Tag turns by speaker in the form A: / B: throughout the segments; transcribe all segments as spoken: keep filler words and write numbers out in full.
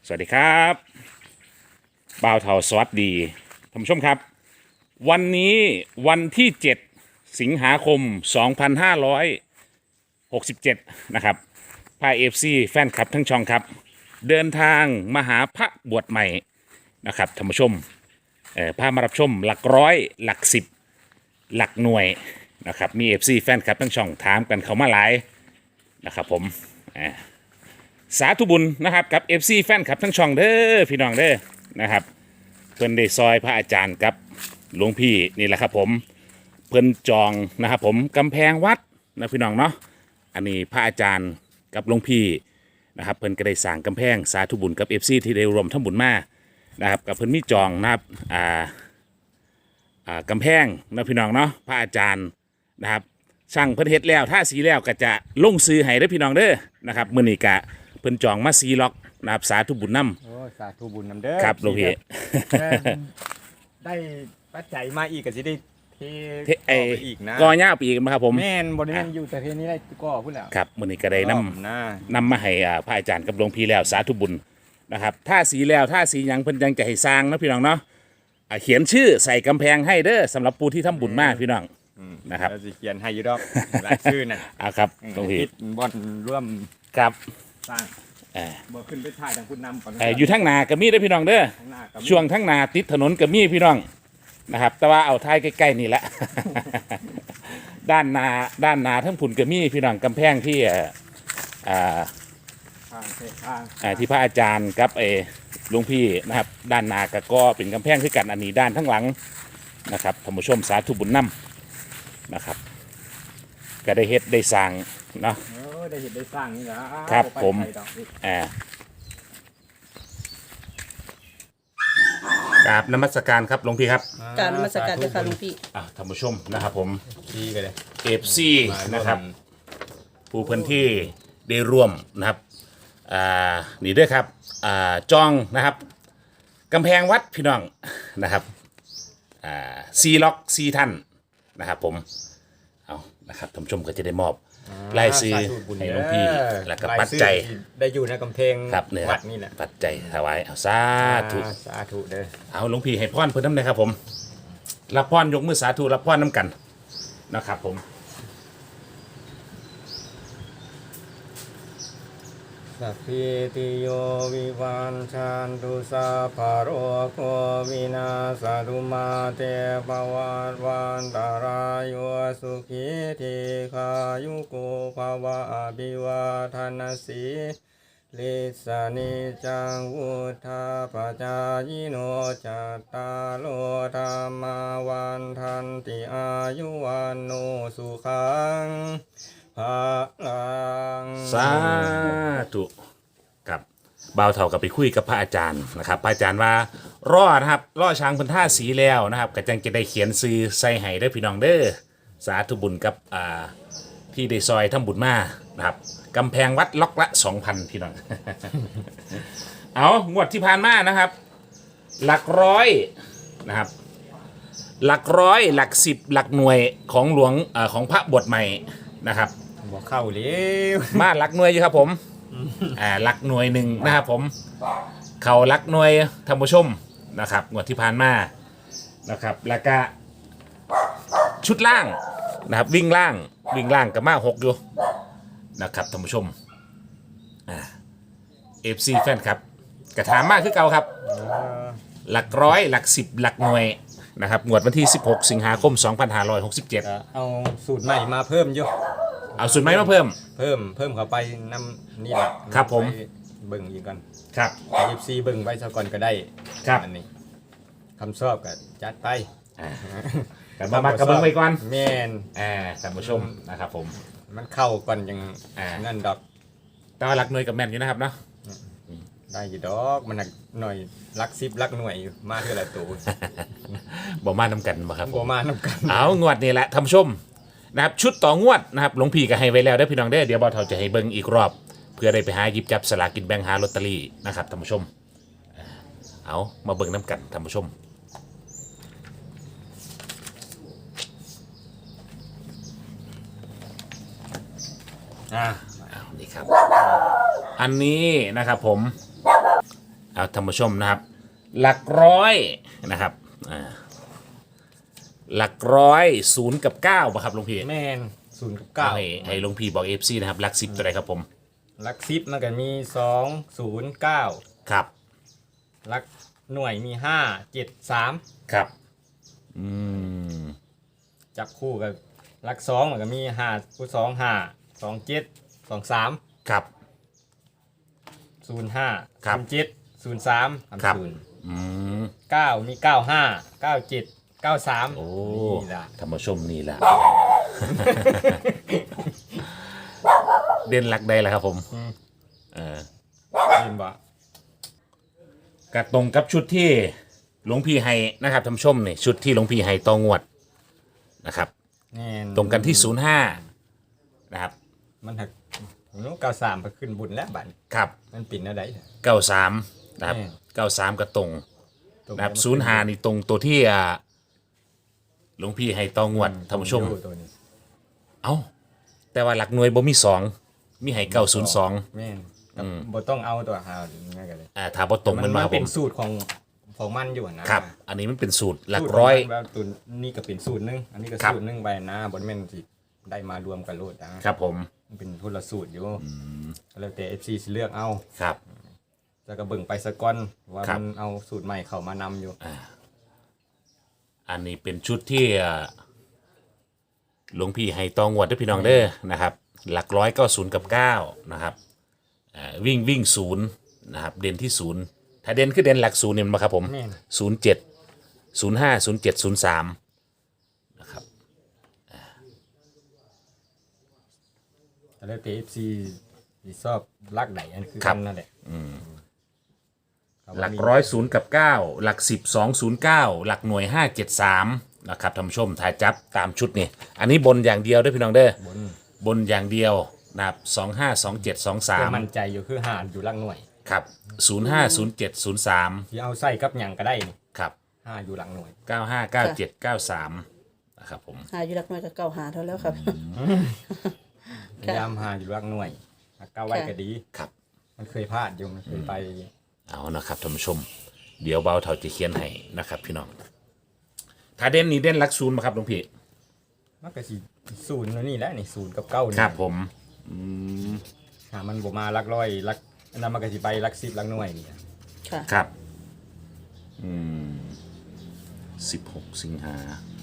A: สวัสดีครับบ่าวเทาสวัสดีท่านผู้ชมครับวันนี้วันที่เจ็ดสิงหาคมสองพันห้าร้อยหกสิบเจ็ดนะครับพาเอฟซีแฟนคลับทั้งช่องครับเดินทางมาหาพระบวชใหม่นะครับท่านผู้ชมเอ่อพามารับชมหลักร้อยหลักสิบหลักหน่วยนะครับมีเอฟซีแฟนคลับทั้งช่องถามกันเขามาหลายนะครับผมอ่า สาธุบุญนะครับกับ เอฟ ซี แฟนคลับทั้งช่องเด้อพี่น้องเด้อนะครับเพิ่นได้ซอยพระอาจารย์กับหลวงพี่นี่แหละครับผมเพิ่นจองนะครับผมกำแพงวัดนะพี่น้องเนาะอันนี้พระอาจารย์กับหลวงพี่นะครับเพิ่นก็ได้สร้างกำแพงสาธุบุญกับ เอฟ ซี ที่ได้รวมทั้งบุญมานะครับกับเพิ่นมีจองนะครับอ่าอ่ากำแพงนะพี่น้องเนาะพระอาจารย์นะครับช่างเพิ่นเฮ็ดแล้วท่าสีแล้วก็จะลงซื้อให้เด้อพี่น้องเด้อนะครับมื้อนี้ก็เพิ่นจองมาซีล็อกนะครับสาธุบุญนำ
B: โอ้สาธุบุญนำเด้อ
A: ครับหลวงพี่
B: แม่นได้ปัจจัยมาอีกก็สิได้เท
A: เทไอ้
B: ต่อไปอีกนะ
A: กอย่าปีกนะครับผม
B: แม่นบ่ได้แม่นอยู่แต่เทนี้ได้ก็พุ่นแล้ว
A: ครับมื้อนี้ก็ได้นำ
B: นะ
A: นำมาให้อ่าพระอาจารย์กับหลวงพี่แล้วสาธุบุญนะครับถ้าสีแล้วถ้าสีหยังเพิ่นยังจะให้สร้างนะพี่น้องเนาะอ่าเขียนชื่อใส่กำแพงให้เด้อสำหรับผู้ที่ทำบุญมากพี่น้อง
B: อืม
A: นะครับ
B: แล้วสิเขียนให้อยู่ดอกหลายชื่อน่ะ
A: อ่าครับหลวงพี่
B: คิดบ่อนร่วม
A: ครับ
B: สร้าง
A: เอ่อ
B: บ่ขึ้นไปถ่ายทางคุณนำก่อน
A: เอ่ออยู่ทั้งนาก็มีเด้อพี่น้องเด้อ
B: ข้างหน้าก็มี
A: ช่วงทั้งนาติดถนนก็มีพี่น้องนะครับแต่ว่าเอาท้ายใกล้ๆนี่แหละ ด้านนาด้านนาทั้งผุนก็มีพี่น้องกำแพงที่เอ่ออ่า
B: ข้างเทข้าง
A: อ่าที่พระอาจารย์กับเออหลวงพี่นะครับด้านหนากก็เป็นกำแพงคือกันอันนี้ด้านทั้งหลังนะครับท่านผู้ชมสาธุบุญนำนะครับก็ได้เฮ็ดได้สร้างเนาะ
B: เออได้เห็นได้สร้างนี่ล่ะ
A: ครับ
B: ไป
A: ผม
B: ไกลดอก
A: อ่ากราบนมัสการครับหลวงพี่ครับ
C: กรารนมัสการเจ้าค่ะหลวงพี่
A: อ่าท่านผู้ชมนะครับผม
B: ดีกันเลย
A: เอฟซีนะครับผู้เพื้นที่ได้ร่วมนะครับอ่านี่ด้วยครับอ่าจองนะครับกำแพงวัดพี่น้องนะครับ อ่าซีล็อกซีท่านนะครับผมเอานะครับท่านผู้ชมก็จะได้มอบรายซื้อ
B: สธุบุญ
A: ให้หลวงพี่
B: เด้อ
A: แล้วก็
B: ราย
A: ปัจ
B: ชื่อ
A: จัย
B: ที่ได้อยู่ในกำแพง
A: ครับเนี่ยค
B: วั
A: รับ
B: ดนี่แหละ
A: ปัจจัยถวายเอาสาธุ
B: อ่าสาธุเด้อ
A: เอาหลวงพี่ให้พรเพิ่นน้ำเลยครับผมรับพรยกมือสาธุรับพรน้ำกันนะครับผม
B: สัพพิติโยวิวันชันตุสัพพะโรโควินาศตุมาเตปวัตวันตารายโยสุขีทีขายุโกภวะอภิวาทนาสีลิสานิจังวุธาปจายโนจัตตาโลธรรมาวันทันติอายุวันโนสุขังภาลัง
A: สาธุครับบ่าวเท่ากับไปคุยกับพระอาจารย์นะครับพระอาจารย์ว่ารอนะครับรอช้างเพันท่าสีแล้วนะครับก็จังจะได้เขียนซื้อใส่ให้ได้อพี่น้องเด้อสาธุบุญกับอ่าที่ได้ซอยทำบุญมานะครับกำแพงวัดล็อกละสองพันพี่น้อง เอางวดที่ผ่านมานะครับ หลักร้อยนะครับหลักร้อยหลักสิบหลักหน่วยของหลวงเออของพระบวชใหม่นะครับ
B: บอกเข้าเร็ว
A: มาหลักหน่วยอยู่ครับผม อ่าหลักหน่วยหนึ่งนะครับผม เขาหลักหน่วยท่านผู้ชมนะครับงวดที่ผ่านมานะครับ แล้วก็ชุดล่างนะครับวิ่งล่างวิ่งล่างกับมาหกอยู่นะครับท่านผู้ชมอ่าเอฟซีแฟนครับกระถามมากคือเก่าครับ หลักร้อยหลักสิบหลักหน่วยนะครับงวดวันที่สิบหกสิงหาคมสองพันห้าร้อยหกสิบเจ็ด
B: เอาสูตรใหม่มาเพิ่มอยู่
A: เอาสุดไหมมาเพิ่ม
B: เพิ่มเพิ่มเข้าไปนำนี่แหละ
A: ครับผม
B: ไปเบิ่งอีกก่อน
A: ครับ
B: เอฟซีเบิ่งไว้ซะก่อนก็ได้
A: ครับ
B: อันนี้คำชอบก็จัดไป
A: อ่ากันมามากระเบื้องไว้ก่อน
B: แม่น
A: อ่าท่านผู้ชมนะครับผม
B: มันเข้าก่อนยัง
A: อ่า
B: นั่นดอก
A: แต่ว่าหลักหน่วยกับแม่นอยู่นะครับเนาะ
B: ได้อยู่ดอกมันหนักหน่อยรักสิบรักหน่วยอยู่มาเท่าไหร่ตัว
A: บ่มานำกันบ่ครับ
B: บ่มานำกัน
A: เอางวดนี่แหละท่านผู้ชมนะครับชุดต่องวดนะครับหลวงพี่ก็ให้ไว้แล้วได้อพี่น้องได้อเดี๋ยวบ่าวเฒ่าจะให้เบิ่งอีกรอบ เพื่อได้ไปหาหยิบจับสลากกินแบ่งหาลอตเตอรี่นะครับท่านผู้ชมอ่าเอามาเบิ่งน้ำกันท่านผู้ชม
B: อ่า
A: เอานี่ครับ อันนี้นะครับผมท่านผู้ชมนะครับ หลักร้อยนะครับอ่าหลักร้อยศูนย์กับเก้าป่ะครับหลวงพี่
B: แม่นศูนย์กับ
A: เก้า
B: เก้า
A: ให้ให้หลวงพี่บอกเอฟซีนะครับหลักสิบตัวใดครับผม
B: หลักสิบมันก็มีสองศูนย์เก้า
A: ครับ
B: หลักหน่วยมีห้าเจ็ดสาม
A: ครับอืม
B: จับคู่กับหลักสองมันก็มีห้าคู่สองห้าสองเจ็ดสองสาม
A: ครับ
B: ศูนย์ห้า
A: ครับ
B: ศูนย์เจ็ดศูนย์สาม
A: ครับ
B: ศูนย์
A: อืม
B: เก้ามีเก้าห้าเก้าเจ็ดเก้าสาม
A: โอ้
B: นี่ล่ะ
A: ท่านผู้ชมนี่แหละ เด่นหลักใดล่ะครับผมเออ
B: เห็นบ่
A: กระตรงกับชุดที่หลวงพี่ให้นะครับท่านผู้ชมนี่ชุดที่หลวงพี่ให้ตองวดนะครับ
B: แน่น
A: ตรงกันที่ศูนย์ห้านะครับ
B: มันหักนู้เก้าสามไปขึ้นบุญแล้วบัดนี้
A: ครับ
B: มันปิ่นอะไร
A: เก้าสามนะครับ
B: แม่
A: เก้าสามกระตรง
B: ตรง
A: นะครับศูนย์ห้านี่ตรงตัวที่อ่าหลวงพี่ให้ตองวดท่านผู้ชม
B: ตัวนี้
A: เอ้าแต่ว่าหลักหน่วยบ่มีสองมีให้เก้าศูนย์สอง
B: แม่นครับบ่ต้องเอาตัวหาง่ายกันเลย
A: อ่าถ้าบ่ตรงมันมาครับผ
B: เป็น
A: ม
B: สูตรของของมันอยู่นะครับ
A: อันนี้มันเป็นสูตรหลัก
B: สูต
A: ร้อย
B: ขงมันแบบตัวนี้ก็เป็นสูตรหนึงอันนี้ก็
A: ครับ
B: สูตรหนึงไปนะบนแม่นสิได้มารวมกันโลดนะครับ
A: ผม
B: มันเป็นคนละสูตรอยู่ก็แล้วแต่ เอฟ ซี สิเลือกเอา
A: ครับ
B: แล้วก็เบิ่งไปสะก่อนว่า
A: ครับ
B: มันเอาสูตรใหม่เข้ามานำอยู่
A: อันนี้เป็นชุดที่อ่าหลวงพี่ให้ตองวดด้วยพี่น้องเด้อนะครับ หลักร้อยก็ศูนย์กับเก้านะครับอ่าวิ่งวิ่งศูนย์นะครับ เด่นที่ศูนย์ถ้าเด่นคือเด่นหลักศูนย์เนี่ยมาครับผม
B: แม่น
A: ศูนย์เจ็ดศูนย์ห้าศูนย์เจ็ดศูนย์สามนะครับ
B: ก็แล้วแต่ เอฟ ซี สิชอบลักใดอันคือ
A: ครั
B: กับ นนั่นแหละครับ
A: หลักร้อยศูนย์กับเก้าหลักสิบสองศูนย์เก้าหลักหน่วยห้าเจ็ดสามนะครับท่านผู้ชมถ่ายจับตามชุดนี่อันนี้บนอย่างเดียวด้วยพี่น้องเด้อบ
B: น
A: บนอย่างเดียวนะครับสองห้าสองเจ็ดสองสา
B: เพื่อ
A: ม
B: มั่นใจอยู่คือหารอยู่ลักหน่วย
A: ครับศูนย์ห้าศูนย์เจ็ดศูนย์สาม
B: ที่เอาใส่กับหยังก็ได้นี่
A: ครับ
B: ห้าอยู่หลังหน่วย
A: เก้าห้าเก้าเจ็ดเก้าสามนะครับผม
C: หาอยู่หลักน้อยกับเก่าหาเท่าแล้วครับ
B: พยายามหาอยู่หลังหน่วยหากก้าวไว้ก็ดี
A: ครับ
B: มันเคยพลาดอยู่มันเคยไป
A: เอานะครับท่านผู้ชม เดี๋ยวเบาเท่าจะเขียนให้นะครับพี่น้องถ้าเด่นนี้เด่นหลักศูนย์มาครับหลวงพี่
B: มันก็สิศูนย์นี่แหละนี่ศูนย์กับเก้านี่
A: ครับผมอืม
B: หามันบ่มาหลักร้อยหลักอันนั้นมันก็สิไปหลักสิบหลักหน่วยนี่
C: ค่ะ
A: ครับอืมสิบหกสิงหา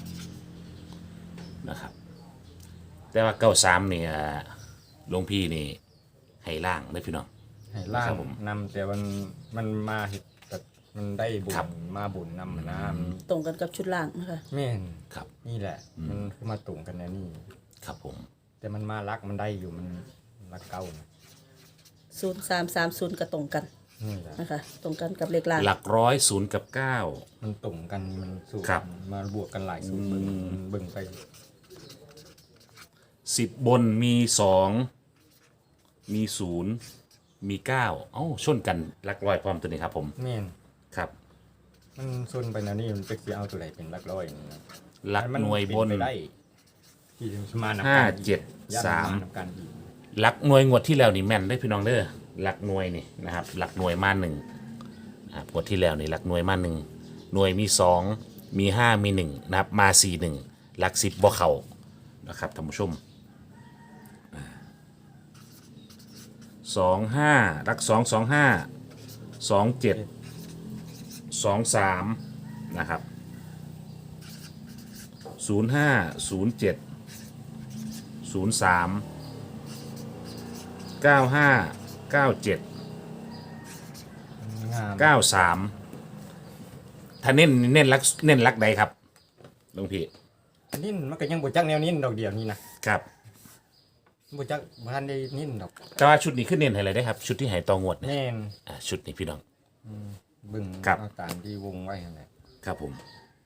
A: นะครับ แต่ว่าเก้าสามเนี่ยหลวงพี่นี่ให้ล่างเลยพี่น้อง
B: ให้ล่า
A: ครั
B: ง
A: บผม
B: นำแต่มันมันมาเฮ็ดแต่มันได้บุญ
A: ครับ
B: มาบุญนำนะมัน
C: ตรงกันกับชุดล่างนะคะ
B: แม่น
A: ครับ
B: นี่แหละ มันคือมาตรงกันนะนี่
A: ครับผม
B: แต่มันมารักมันได้อยู่มันรักเก้านะ
C: ศูนย์สามสามศูนย์ก็ตรงกัน
B: นี่แหละ
C: นะคะ ตรงกันกับเลขล่าง
A: หลักร้อยศูนย์กับเก้า
B: มันตรงกันมันสูตร
A: ครับ
B: มาบวกกันหลายสูตรเบิ่งเบิ่งไป
A: สิบบนมีสองมีศูนย์มีเก้าเอ้าชนกันหลักร้อยพร้อมตัวนี้ครับผม
B: แม่น
A: ครับ
B: มันส่วนไปนะนี่มันเป็นสิเอาตัวไหนเป็นหลักร้อยนี่นะ
A: หลักหน่วยบน
B: มัเป็ไปได้ที่จะมานำ
A: ห้า
B: กัน
A: เจ็ด
B: ย่น
A: สาม
B: นำกันอีก
A: หลักหน่วยงวดที่แล้วนี่แม่นได้พี่น้องเด้อหลักหน่วยนี่นะครับหลักหน่วยมาหนึ่งนะครับงวดที่แล้วนี่หลักหน่วยมาหนึ่งหน่วยมีสองมีห้ามีหนึ่งนะครับมาสี่หนึ่งหลักสิบบ่เขานะครับท่านผู้ชมสองห้าหลักสองสองห้าสองเจ็ดสองสามนะครับศูนย์ห้าศูนย์เจ็ดศูนย์สามเก้าห้าเก้าเจ็ด
B: งาม
A: เก้าสามถ้าเน้นเน้นลักเน้นลักใดครับหลวงพี่
B: นิ่นมันก็ยังบ่จักแนวนิ่นดอกเดียวนี่นะครับ บ่จักบ่ทันได้นิ่นดอก
A: แต่ว่าชุดนี้ขึ้นเน้นให้อะไรได้ครับ ชุดที่ใหายตองวดเนี่ย
B: แม่น
A: อ่าชุดนี้พี่น้อง
B: เบิ่ง
A: ครับ
B: เอาตามที่วงไว้นั่นแหละ
A: ครับผม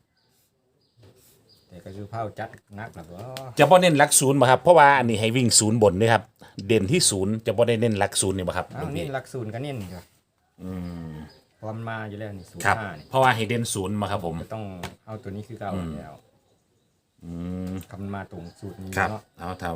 B: แต่ก็คือเผาจัดนักแล้วก็
A: จะบ่เน้นลักศูนย์บ่ครับเพราะว่าอันนี้ให้วิ่งศูนย์บนด้วยครับเด่นที่ศูนย์จะบ่ได้เน้นลักศูนย์นี่บ่ครับหล
B: อ้าว
A: วง
B: นี่
A: พี่
B: หลักศูนย์ก็นิ่นครับ
A: อืม
B: พอมันมาอยู่แล้วนี่ศูน
A: ครับ
B: ย์ห้านี่
A: เพราะว่าให้เด่นศูนย์มาครับผม
B: ก็ต้องเอาตัวนี้คือเก่าแล้ว
A: อืม
B: คำมันมาตรงสูตรนี้
A: ครับ
B: เนาะ
A: เอาถ้าถ้า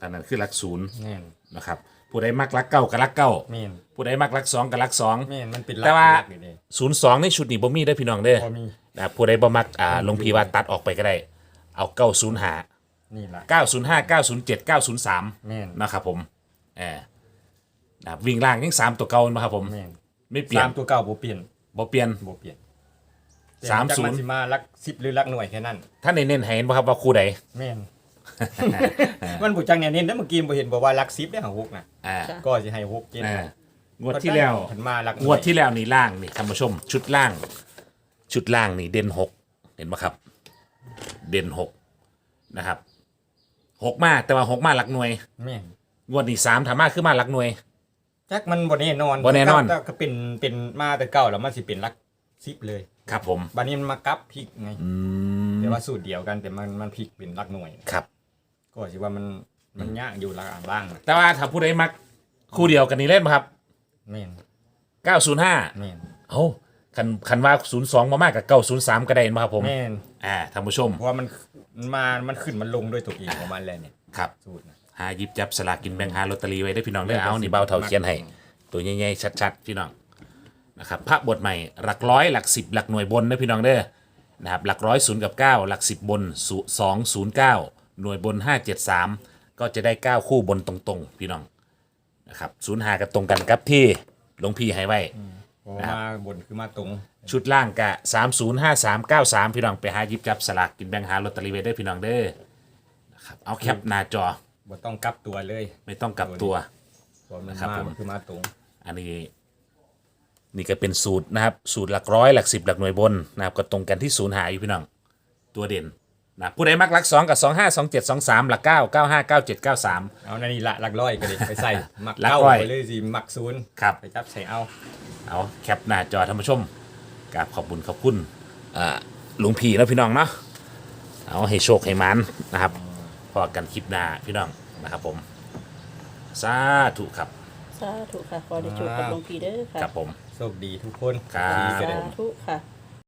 A: อันนั้นคือหลักศูนย์
B: แม่น
A: นะครับผู้ใดมักหลักเก้ากับหลักเก้า
B: แม่น
A: ผู้ใดมักหลักสองกับหลักสอง
B: แม่นมันเป็นหลั
A: แต่ว่า
B: หลักอยู่นี่
A: ศูนย์สองในชุดนี้บ่มีได้อพี่น้องเด้อ
B: พอมี
A: นะครับผู้ใดบ่มักอ่าหลวงพี่ว่าตัดออกไปก็ได้ เอาเก้าศูนย์ห้า
B: นี่ล่ะ
A: เก้าศูนย์ห้า เก้าศูนย์เจ็ด เก้าศูนย์สาม
B: แม่น
A: นะครับผมเออนะครับวิ่งล่างยังสามตัวเก่านะครับผม
B: แม่น
A: ไม่เปลี่ยน
B: สามตัวเก่าบ่เปลี่ยน
A: บ่เปลี่ยน
B: บ่เปลี่ยน
A: สามศูนย์
B: แต่จักมันสิมาหลักสิบหรือหลักหน่วยแค่นั้น
A: ท่านในเน้นให้เห็นบ่ครับว่าคู่ใด
B: แม่น มันบ่จังแนวเน้นแล้วเมื่อกี้บ่เห็นบอกว่าหลักสิบได้หาหกน่ะ
A: อ่า
C: ค่ะ
B: ก็สิให้หกเกณฑ์
A: อ่างวดที่แล้ว
B: เพิ่นมาหลักหน่
A: งวดที่แล้วนี่ล่างนี่ท่านผู้ชม ชุดล่าง ชุดล่างนี่เด่นหกเห็นไหมครับ เด่นหกนะครับหกมาแต่ว่าหกมาหลักหน่วย
B: แม่น
A: งวดนี้สามถามมาคือมาหลักหน่วย
B: จักมันบ่แน่นอน
A: บ่แน่นอน
B: แต่ก็เป็นเป็นมาแต่เก่าแล้วมันสิเป็นหลักสิบเลย
A: ครับผม
B: บัดนี้มันมากลับพลิกไง
A: อืม
B: แต่ว่าสูตรเดียวกันแต่มันมันพลิกเป็นหลักหน่วย
A: ครับ
B: ก็สิว่ามันมันยากอยู่หลักอ่างล่างน่ะ
A: แต่ว่าถ้าผู้ใดมักคู่เดียวกันนี่เล่นไหมครับ
B: แม่น
A: เก้าศูนย์ห้า
B: แม่น
A: เอ้าคันคันว่าศูนย์สองมามากกับเก้าศูนย์สามก็ได้เห็นไหมครับผม
B: แม่น
A: อ่าท่านผู้ชม
B: เพราะว่ามันมันมามันขึ้นมันลงด้วยตัวเองของมันแหละเนี่ย
A: ครับ
B: สูตรนะ
A: หาหยิบจับสลากกินแบ่งหาลอตเตอรี่ไว้ได้อพี่น้องได้อเอานี่เบาเท่าเขียนให้ตัวใหญ่ๆชัดๆพี่น้องนะครับพระบทใหม่หลักร้อยหลักสิบหลักหน่วยบนนะพี่น้องเด้อนะครับหลักร้อยศูนย์กับเก้าหลักสิบบนสองศูนย์เก้าหน่วยบนห้าเจ็ดสามก็จะได้เก้าคู่บนตรงๆพี่น้องนะครับศูนย์หากันตรงกันครับที่หลวงพี่ให้ไว้
B: เพราะว่ามาบนคือมาตรง
A: ชุดล่างกะสามศูนย์ห้าสามเก้าสามพี่น้องไปหาหยิบจับสลากกินแบ่งหาลอตเตอรี่ไว้ได้อพี่น้องเด้อนะครับเอาแคปหน้าจอ
B: บ่ต้องกลับตัวเลย
A: ไม่ต้องกลับตัว
B: เพราะมัน
A: ครับ
B: มา
A: ผม
B: มันคือมาตรง
A: อันนี้นี่ก็เป็นสูตรนะครับ สูตรหลักร้อยหลักสิบหลักหน่วยบนนะครับก็ตรงกันที่ศูนย์หาอยู่พี่น้องตัวเด่นนะผู้ใดมักหลักสองกับสองห้าสองเจ็ดสองสามหลักเก้าเก้าห้าเก้าเจ็ดเก้าสาม
B: เอานั่นนี่ละหลักร้อยก็ดิไปใส่หมัก
A: หลัก
B: เก้า
A: ร้อย
B: ไปเลยสิหมักศูนย์
A: ครับ
B: ไปจับใส่เอา
A: เอาแคปหน้าจอท่านผู้ชมกราบขอบคุณขอบคุณอ่าหลวงพี่แล้วพี่น้องเนาะเอาให้โชคให้มันนะครับพอกันคลิปหน้าพี่น้องนะครับผมสาธุครับ
C: สาธุค่ะ ขอได้โชคกับหลวงพี่เด้อค่ะ
A: ครับผม
B: โชคดีทุกคน
A: ครับ
B: ดีก็
C: สา
B: ได้
C: ธุค่ะ